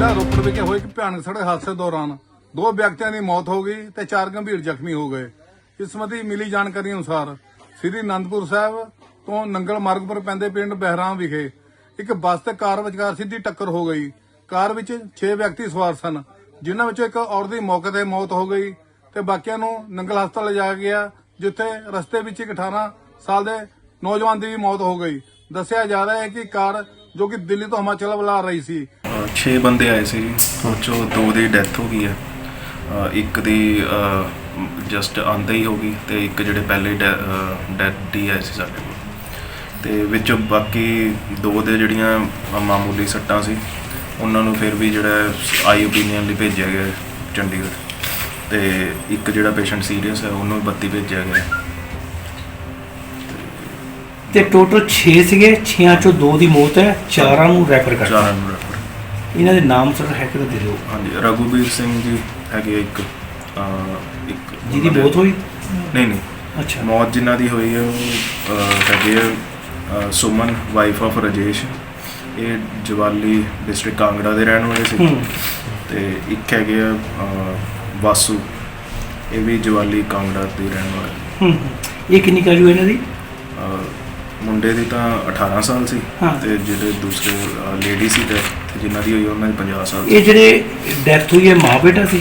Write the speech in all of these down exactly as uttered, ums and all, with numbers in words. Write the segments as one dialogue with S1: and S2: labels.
S1: ਜ਼ਿਲ੍ਹਾ ਰੋਪੜ ਵਿਖੇ ਹੋਏ ਇੱਕ ਭਿਆਨਕ ਸੜਕ ਹਾਦਸੇ ਦੌਰਾਨ ਦੋ ਵਿਅਕਤੀਆਂ ਦੀ ਮੌਤ ਹੋ ਗਈ ਤੇ ਚਾਰ ਗੰਭੀਰ ਜ਼ਖਮੀ ਹੋ ਗਏ। ਇਸ ਸੰਬੰਧੀ ਮਿਲੀ ਜਾਣਕਾਰੀ ਅਨੁਸਾਰ ਸ੍ਰੀ ਅਨੰਦਪੁਰ ਸਾਹਿਬ ਤੋਂ ਨੰਗਲ ਮਾਰਗ ਪਰ ਪੈਂਦੇ ਪਿੰਡ ਬਹਿਰਾਮ ਵਿਖੇ ਇੱਕ ਬੱਸ ਤੇ ਕਾਰ ਵਿਚਕਾਰ ਸਿੱਧੀ ਟੱਕਰ ਹੋ ਗਈ। ਕਾਰ ਵਿੱਚ ਛੇ ਵਿਅਕਤੀ ਸਵਾਰ ਸਨ, ਜਿਨ੍ਹਾਂ ਵਿੱਚੋਂ ਇੱਕ ਔਰਤ ਦੀ ਮੌਕੇ ਤੇ ਮੌਤ ਹੋ ਗਈ ਤੇ ਬਾਕੀਆਂ ਨੂੰ ਨੰਗਲ ਹਸਪਤਾਲ ਲਿਜਾਇਆ ਗਿਆ, ਜਿੱਥੇ ਰਸਤੇ ਵਿੱਚ ਇੱਕ ਅਠਾਰਾਂ ਸਾਲ ਦੇ ਨੌਜਵਾਨ ਦੀ ਵੀ ਮੌਤ ਹੋ ਗਈ। ਦੱਸਿਆ ਜਾ ਰਿਹਾ ਹੈ ਕਿ ਕਾਰ ਜੋ ਕਿ ਦਿੱਲੀ ਤੋਂ ਹਿਮਾਚਲ ਵੱਲ ਆ ਰਹੀ ਸੀ।
S2: ਛੇ ਬੰਦੇ ਆਏ ਸੀ, ਉਹ 'ਚੋਂ ਦੋ ਦੀ ਡੈਥ ਹੋ ਗਈ ਹੈ, ਇੱਕ ਦੀ ਜਸਟ ਆਉਂਦੇ ਹੀ ਹੋ ਗਈ ਤੇ ਇੱਕ ਜਿਹੜੇ ਪਹਿਲੇ ਡੈਥ ਹੀ ਆਏ ਸੀ ਸਾਡੇ ਕੋਲ, ਤੇ ਵਿੱਚ ਬਾਕੀ ਦੋ ਦੇ ਜਿਹੜੀਆਂ ਮਾਮੂਲੀ ਸੱਟਾਂ ਸੀ ਉਹਨਾਂ ਨੂੰ ਫਿਰ ਵੀ ਜਿਹੜਾ ਆਈ ਓਪੀਨੀਅਨ ਲਈ ਭੇਜਿਆ ਗਿਆ ਚੰਡੀਗੜ੍ਹ, ਤੇ ਇੱਕ ਜਿਹੜਾ ਪੇਸ਼ੈਂਟ ਸੀਰੀਅਸ ਹੈ ਉਹਨੂੰ ਬੱਤੀ ਭੇਜਿਆ ਗਿਆ।
S3: ਤੇ ਟੋਟਲ ਛੇ ਸੀਗੇ, ਛੇਆਂ ਚੋਂ ਦੋ ਦੀ ਮੌਤ ਹੈ, ਚਾਰਾਂ ਨੂੰ ਰੈਫਰ ਕਰਤਾ।
S2: ਚਾਰਾਂ ਨੂੰ ਰੈਫਰ।
S3: ਇਹਨਾਂ ਦੇ ਨਾਮ ਸਰ ਹੈ ਕਿ ਦੇ ਦਿਓ।
S2: ਹਾਂਜੀ, ਰਘੂਬੀਰ ਸਿੰਘ ਜੀ ਹੈਗੇ ਇੱਕ ਇੱਕ
S3: ਜਿਹਦੀ ਮੌਤ ਹੋਈ?
S2: ਨਹੀਂ ਨਹੀਂ
S3: ਅੱਛਾ।
S2: ਮੌਤ ਜਿਨ੍ਹਾਂ ਦੀ ਹੋਈ ਹੈ ਉਹ ਹੈਗੇ ਆ ਸੁਮਨ, ਵਾਈਫ ਆਫ ਰਾਜੇਸ਼। ਇਹ ਜਵਾਲੀ ਡਿਸਟ੍ਰਿਕਟ ਕਾਂਗੜਾ ਦੇ ਰਹਿਣ ਵਾਲੇ ਸੀ, ਤੇ ਇੱਕ ਹੈਗੇ ਆ ਵਾਸੂ, ਇਹ ਵੀ ਜਵਾਲੀ ਕਾਂਗੜਾ ਦੇ ਰਹਿਣ ਵਾਲੇ।
S3: ਇਹ ਕਿੰਨੀ ਕਾਜੂ ਇਹਨਾਂ ਦੀ?
S2: ਮੁੰਡੇ ਦੀ ਤਾਂ ਅਠਾਰਾਂ ਸਾਲ ਸੀ ਤੇ ਜਿਹੜੇ ਦੂਸਰੇ ਲੇਡੀ ਸੀ ਡੈਥ ਜਿਨ੍ਹਾਂ ਦੀ ਹੋਈ ਉਹਨਾਂ ਦੀ ਪੰਜਾਹ ਸਾਲ।
S3: ਇਹ ਜਿਹੜੇ ਡੈਥ ਹੋਈ ਹੈ ਮਾਂ ਬੇਟਾ ਸੀ?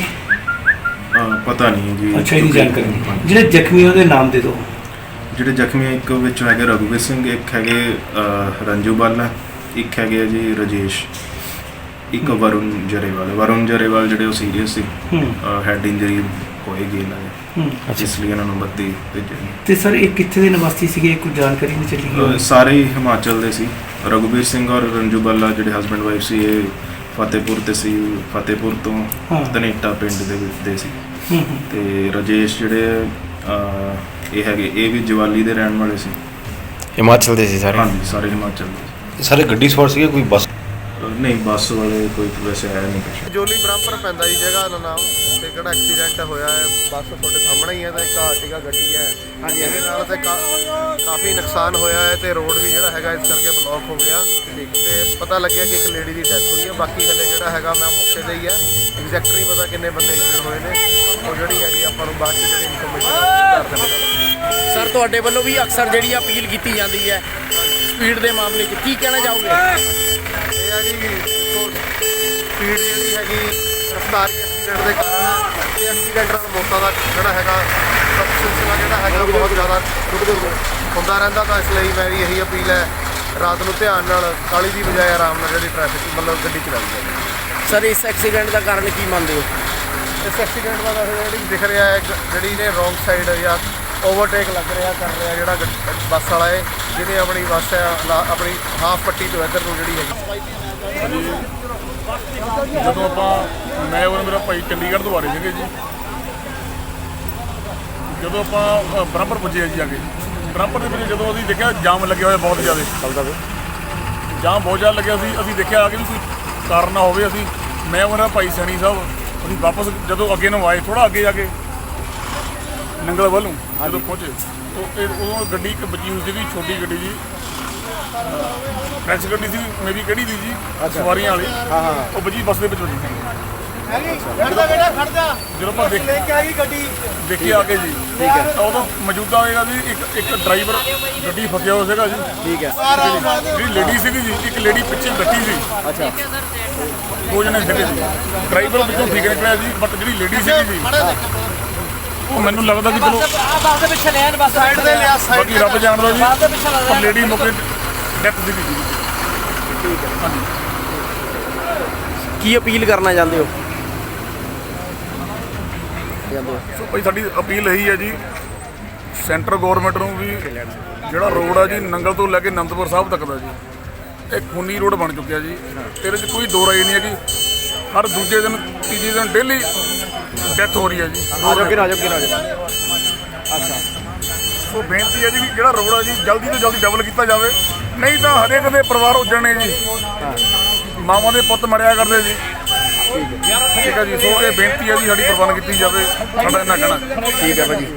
S2: ਪਤਾ ਨਹੀਂ ਜੀ।
S3: ਅੱਛਾ, ਇਹਦੀ ਜਾਣਕਾਰੀ ਨਹੀਂ। ਜਿਹੜੇ ਜ਼ਖਮੀ ਉਹਦੇ ਨਾਮ ਦੇ ਦਿਓ।
S2: ਜਿਹੜੇ ਜ਼ਖਮੀ ਇੱਕ ਵਿੱਚ ਹੈਗੇ ਰਘੂਬੀਰ ਸਿੰਘ, ਇੱਕ ਹੈਗੇ ਰੰਜੂ ਬਾਲਾ, ਇੱਕ ਹੈਗੇ ਜੀ ਰਾਜੇਸ਼, ਇੱਕ ਵਰੁਣ ਜਰੇਵਾਲ। ਵਰੁਣ ਜਰੇਵਾਲ ਜਿਹੜੇ ਉਹ ਸੀਰੀਅਸ ਸੀ, ਹੈਡ ਇੰਜਰੀ ਹੋਏਗੀ ਇਹਨਾਂ ਦੇ, ਇਸ ਲਈ ਇਹਨਾਂ ਨੂੰ ਬੱਤੀ ਭੇਜਿਆ। ਤੇ
S3: ਸਰ ਇਹ ਕਿੱਥੇ ਦੇ ਨਿਵਾਸੀ ਸੀਗੇ, ਕੋਈ ਜਾਣਕਾਰੀ ਨਹੀਂ ਚੱਲੀ?
S2: ਸਾਰੇ ਹੀ ਹਿਮਾਚਲ ਦੇ ਸੀ। ਰਘੂਬੀਰ ਸਿੰਘ ਔਰ ਰੰਜੂ ਬਾਲਾ ਜਿਹੜੇ ਹਸਬੈਂਡ ਵਾਈਫ ਸੀ, ਇਹ ਫਤਿਹਪੁਰ ਤੇ ਸੀ, ਫਤਿਹਪੁਰ ਤੋਂ ਧਨੇਟਾ ਪਿੰਡ ਦੇ ਵਿੱਚ ਦੇ ਸੀ। ਤੇ ਰਾਜੇਸ਼ ਜਿਹੜੇ ਇਹ ਹੈਗੇ ਇਹ ਵੀ ਜਵਾਲੀ ਦੇ ਰਹਿਣ ਵਾਲੇ ਸੀ।
S4: ਹਿਮਾਚਲ ਦੇ ਸੀ ਸਾਰੇ?
S2: ਹਾਂਜੀ, ਸਾਰੇ ਹਿਮਾਚਲ ਦੇ।
S4: ਸਾਰੇ ਗੱਡੀ ਸਵਾਰ ਸੀਗੇ, ਕੋਈ ਬੱਸ?
S2: ਨਹੀਂ, ਬੱਸ ਵਾਲੇ ਕੋਈ ਵੈਸੇ ਆਇਆ ਨਹੀਂ ਕੁਛ।
S5: ਜੋਲੀ ਬ੍ਰਹਮਪੁਰ ਪੈਂਦਾ ਜੀ ਜਗ੍ਹਾ ਦਾ ਨਾਮ, ਤੇ ਕਿਹੜਾ ਐਕਸੀਡੈਂਟ ਹੋਇਆ ਹੈ ਬੱਸ ਤੁਹਾਡੇ ਸਾਹਮਣੇ ਹੀ ਹੈ, ਤੇ ਇੱਕ ਆਰਟੀਗਾ ਗੱਡੀ ਹੈ। ਹਾਂਜੀ, ਇਹਦੇ ਨਾਲ ਤੇ ਕਾਫੀ ਨੁਕਸਾਨ ਹੋਇਆ ਹੈ ਤੇ ਰੋਡ ਵੀ ਜਿਹੜਾ ਹੈਗਾ ਇਸ ਕਰਕੇ ਬਲੌਕ ਹੋ ਗਿਆ, ਤੇ ਪਤਾ ਲੱਗਿਆ ਕਿ ਇੱਕ ਲੇਡੀ ਦੀ ਡੈਥ ਹੋਈ ਹੈ। ਬਾਕੀ ਹਲੇ ਜਿਹੜਾ ਹੈਗਾ ਮੈਂ ਮੌਕੇ ਤੇ ਹੀ ਹੈ, ਐਗਜ਼ੈਕਟ ਨਹੀਂ ਪਤਾ ਕਿੰਨੇ ਬੰਦੇ ਇੰਜਰਡ ਹੋਏ ਨੇ, ਉਹ ਜਿਹੜੀ ਹੈਗੀ ਆਪਾਂ ਨੂੰ ਬਾਅਦ 'ਚ ਜਿਹੜੀ ਇਨਫੋਰਮੇਸ਼ਨ ਕਰ ਦੇਵਾਂਗੇ।
S6: ਸਰ ਤੁਹਾਡੇ ਵੱਲੋਂ ਵੀ ਅਕਸਰ ਜਿਹੜੀ ਅਪੀਲ ਕੀਤੀ ਜਾਂਦੀ ਹੈ ਸਪੀਡ ਦੇ ਮਾਮਲੇ 'ਚ, ਕੀ ਕਹਿਣਾ ਚਾਹੋਗੇ?
S5: ਇਹ ਆ ਜੀ ਸਪੀਡ ਜਿਹੜੀ ਹੈਗੀ ਰਫ਼ਤਾਰੀ ਐਕਸੀਡੈਂਟ ਦੇ ਕਾਰਨ, ਤੇ ਐਕਸੀਡੈਂਟਾਂ ਦਾ ਮੌਤਾਂ ਦਾ ਜਿਹੜਾ ਹੈਗਾ ਸਿਲਸਿਲਾ ਜਿਹੜਾ ਹੈਗਾ ਬਹੁਤ ਜ਼ਿਆਦਾ ਹੁੰਦਾ ਰਹਿੰਦਾ। ਤਾਂ ਇਸ ਲਈ ਮੇਰੀ ਇਹੀ ਅਪੀਲ ਹੈ, ਰਾਤ ਨੂੰ ਧਿਆਨ ਨਾਲ ਕਾਹਲੀ ਦੀ ਬਜਾਏ ਆਰਾਮ ਨਾਲ ਜਿਹੜੀ ਟ੍ਰੈਫਿਕ ਮਤਲਬ ਗੱਡੀ ਚਲਾਈ ਜਾਵੇ।
S6: ਸਰ ਇਸ ਐਕਸੀਡੈਂਟ ਦਾ ਕਾਰਨ ਕੀ ਮੰਨਦੇ ਹੋ?
S5: ਇਸ ਐਕਸੀਡੈਂਟ ਦਾ ਜਿਹੜੀ ਦਿਖ ਰਿਹਾ ਹੈ ਜਿਹੜੀ ਨੇ ਰੋਂਗ ਸਾਈਡ ਜਾਂ ਓਵਰਟੇਕ ਲੱਗ ਰਿਹਾ ਕਰ ਰਿਹਾ ਜਿਹੜਾ ਬੱਸ ਵਾਲਾ ਹੈ, ਜਿਹਨੇ ਆਪਣੀ ਬੱਸ ਹੈ ਆਪਣੀ ਹਾਫ ਪੱਟੀ ਤੋਂ ਇੱਧਰ ਨੂੰ ਜਿਹੜੀ ਹੈਗੀ।
S1: ਜਦੋਂ ਆਪਾਂ ਮੈਂ ਔਰ ਮੇਰਾ ਭਾਈ ਚੰਡੀਗੜ੍ਹ ਤੋਂ ਆ ਰਹੇ ਸੀਗੇ ਜੀ, ਜਦੋਂ ਆਪਾਂ ਬਰਾਬਰ ਪੁੱਜੇ ਜੀ ਆ ਕੇ ਬਰਾਬਰ ਦੇ ਵਿੱਚ ਜਦੋਂ ਅਸੀਂ ਦੇਖਿਆ ਜਾਮ ਲੱਗਿਆ ਹੋਇਆ ਬਹੁਤ ਜ਼ਿਆਦਾ ਚੱਲਦਾ ਪਿਆ, ਜਾਮ ਬਹੁਤ ਜ਼ਿਆਦਾ ਲੱਗਿਆ ਸੀ। ਅਸੀਂ ਦੇਖਿਆ ਆ ਕੇ ਵੀ ਕੋਈ ਕਾਰਨ ਨਾ ਹੋਵੇ, ਅਸੀਂ ਮੈਂ ਔਰ ਮੇਰਾ ਭਾਈ ਸੈਣੀ ਸਾਹਿਬ ਅਸੀਂ ਵਾਪਸ ਜਦੋਂ ਅੱਗੇ ਨੂੰ ਆਏ, ਥੋੜ੍ਹਾ ਅੱਗੇ ਜਾ ਕੇ ਨੰਗਲ ਵੱਲੋਂ ਜਦੋਂ ਪਹੁੰਚੇ ਉਹ ਉਦੋਂ ਗੱਡੀ ਇੱਕ ਬਚੀ ਹੋਈ ਸੀਗੀ, ਛੋਟੀ ਗੱਡੀ ਜੀ, ਫਰੈਂਚ ਗੱਡੀ ਸੀ ਮੇ ਵੀ ਕਿਹੜੀ ਦੀ ਜੀ, ਸਵਾਰੀਆਂ ਵਾਲੀ, ਉਹ ਬਜੀ ਬੱਸ ਦੇ ਵਿੱਚ ਵੱਜੀ ਸੀ। ਜਦੋਂ ਆਪਾਂ ਦੇਖ ਦੇਖੀ ਆ ਕੇ ਜੀ, ਠੀਕ ਹੈ, ਤਾਂ ਉਦੋਂ ਮੌਜੂਦਾ ਹੋਏਗਾ ਜੀ ਇੱਕ ਇੱਕ ਡਰਾਈਵਰ ਗੱਡੀ ਫਸਿਆ ਹੋਇਆ ਸੀਗਾ ਜੀ, ਠੀਕ ਹੈ, ਜਿਹੜੀ ਲੇਡੀ ਸੀਗੀ ਜੀ, ਇੱਕ ਲੇਡੀ ਪਿੱਛੇ ਬੈਠੀ ਸੀ। ਅੱਛਾ, ਦੋ ਜਣੇ ਸੀਗੇ ਜੀ, ਡਰਾਈਵਰ ਵਿੱਚੋਂ ਠੀਕ ਨਿਕਲਿਆ ਜੀ, ਬਟ ਜਿਹੜੀ ਲੇਡੀ ਸੀਗੀ ਜੀ ਉਹ ਮੈਨੂੰ ਲੱਗਦਾ ਕਿ ਚਲੋ ਬਾਕੀ ਰੱਬ ਜਾਣਦਾ ਜੀ, ਪਰ ਲੇਡੀ ਮੌਕੇ ਡੈਥ ਸੀਗੀ ਜੀ। ਠੀਕ ਹੈ, ਹਾਂਜੀ।
S6: ਕੀ ਅਪੀਲ ਕਰਨਾ ਚਾਹੁੰਦੇ ਹੋ?
S1: ਸੋ ਭਾਈ ਸਾਡੀ ਅਪੀਲ ਇਹੀ ਹੈ ਜੀ, ਸੈਂਟਰ ਗੌਰਮੈਂਟ ਨੂੰ ਵੀ ਜਿਹੜਾ ਰੋਡ ਆ ਜੀ ਨੰਗਲ ਤੋਂ ਲੈ ਕੇ ਅਨੰਦਪੁਰ ਸਾਹਿਬ ਤੱਕ ਦਾ ਜੀ, ਇਹ ਖੂਨੀ ਰੋਡ ਬਣ ਚੁੱਕਿਆ ਜੀ। ਇਹਦੇ 'ਚ ਕੋਈ ਦੋ ਰਾਏ ਨਹੀਂ ਹੈ ਕਿ ਹਰ ਦੂਜੇ ਦਿਨ ਤੀਜੇ ਦਿਨ ਡੇਲੀ ਡੈਥ ਹੋ ਰਹੀ ਹੈ ਜੀ। ਅੱਛਾ, ਸੋ ਬੇਨਤੀ ਹੈ ਜੀ ਵੀ ਜਿਹੜਾ ਰੋਡ ਆ ਜੀ ਜਲਦੀ ਤੋਂ ਜਲਦੀ ਡਬਲ ਕੀਤਾ ਜਾਵੇ, ਨਹੀਂ ਤਾਂ ਹਰੇਕ ਦੇ ਪਰਿਵਾਰ ਉੱਜਣੇ ਜੀ, ਮਾਵਾਂ ਦੇ ਪੁੱਤ ਮਰਿਆ ਕਰਦੇ ਜੀ। ਠੀਕ ਹੈ ਜੀ, ਸੋ ਇਹ ਬੇਨਤੀ ਹੈ ਜੀ ਸਾਡੀ ਪ੍ਰਬੰਧ ਕੀਤੀ ਜਾਵੇ, ਸਾਡਾ ਇੰਨਾ ਕਹਿਣਾ।
S4: ਠੀਕ ਹੈ ਭਾਜੀ।